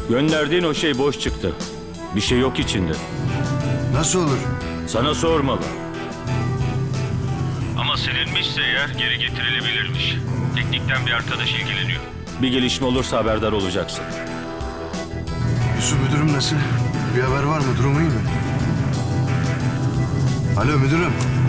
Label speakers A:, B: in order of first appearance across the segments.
A: Gönderdiğin o şey boş çıktı. Bir şey yok içinde.
B: Nasıl olur?
A: Sana sormalı. Ama silinmişse eğer geri getirilebilirmiş. Teknikten bir arkadaş ilgileniyor. Bir gelişme olursa haberdar olacaksın.
B: Yusuf, müdürüm nasıl? Bir haber var mı? Durumu iyi mi? Alo müdürüm.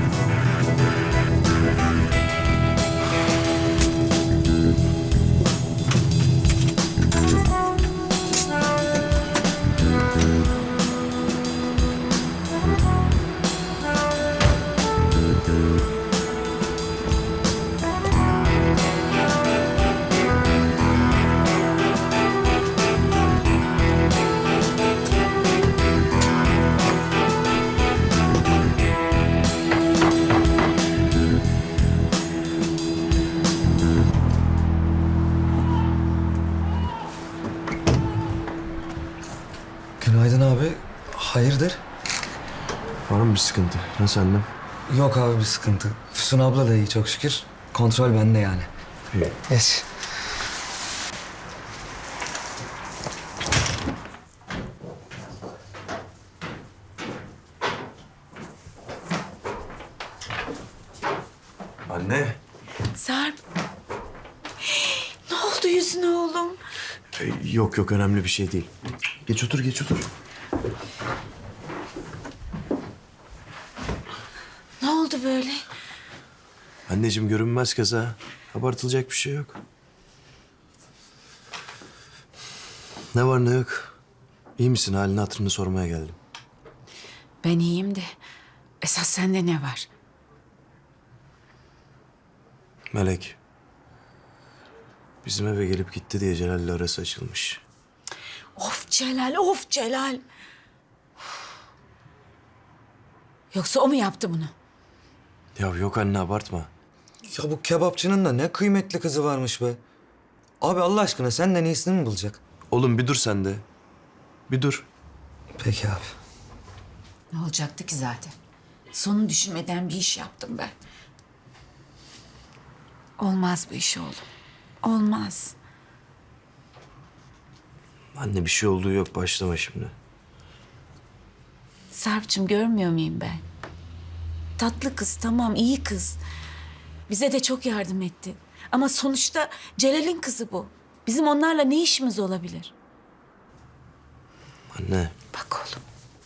C: Günaydın abi. Hayırdır?
B: Var mı bir sıkıntı? Nasıl annem?
C: Yok abi bir sıkıntı. Füsun abla da iyi çok şükür. Kontrol bende yani.
B: İyi.
C: Geç.
B: Anne.
D: Sarp. Ne oldu yüzüne oğlum?
B: Yok önemli bir şey değil. Geç otur geç otur.
D: Ne oldu böyle?
B: Anneciğim görünmez kaza. Abartılacak bir şey yok. Ne var ne yok. İyi misin? Halini hatırını sormaya geldim.
D: Ben iyiyim de esas sende ne var?
B: Melek. Bizim eve gelip gitti diye Celal'le arası açılmış.
D: Of Celal, of Celal. Yoksa o mu yaptı bunu?
B: Ya yok anne abartma.
C: Ya bu kebapçının da ne kıymetli kızı varmış be. Abi Allah aşkına senden iyisini mi bulacak?
B: Oğlum bir dur sen de. Bir dur.
C: Peki abi.
D: Ne olacaktı ki zaten? Sonu düşünmeden bir iş yaptım ben. Olmaz bu iş oğlum. Olmaz.
B: Anne bir şey olduğu yok. Başlama şimdi.
D: Sarp'cığım görmüyor muyum ben? Tatlı kız tamam, iyi kız. Bize de çok yardım etti. Ama sonuçta Celal'in kızı bu. Bizim onlarla ne işimiz olabilir?
B: Anne.
D: Bak oğlum.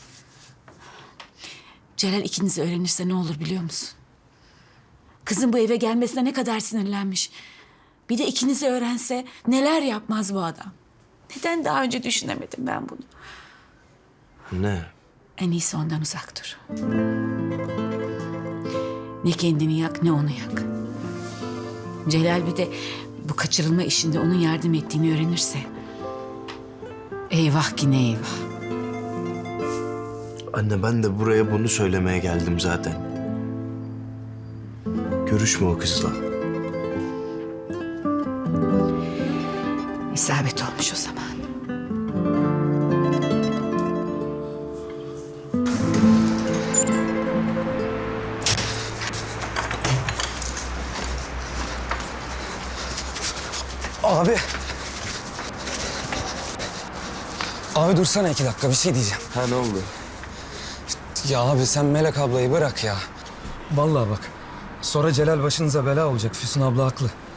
D: Celal ikinizi öğrenirse ne olur biliyor musun? Kızın bu eve gelmesine ne kadar sinirlenmiş. Bir de ikinizi öğrense neler yapmaz bu adam. Neden daha önce düşünemedim ben bunu?
B: Anne.
D: En iyisi ondan uzak dur. Ne kendini yak ne onu yak. Celal bir de bu kaçırılma işinde onun yardım ettiğini öğrenirse... eyvah ki ne eyvah.
B: Anne ben de buraya bunu söylemeye geldim zaten. Görüşme o kızla.
D: İsabet olmuş o zaman.
C: Abi. Abi dursana 2 dakika bir şey diyeceğim.
B: Ha ne oldu?
C: Ya abi sen Melek ablayı bırak ya. Vallahi bak. Sonra Celal başınıza bela olacak. Füsun abla haklı.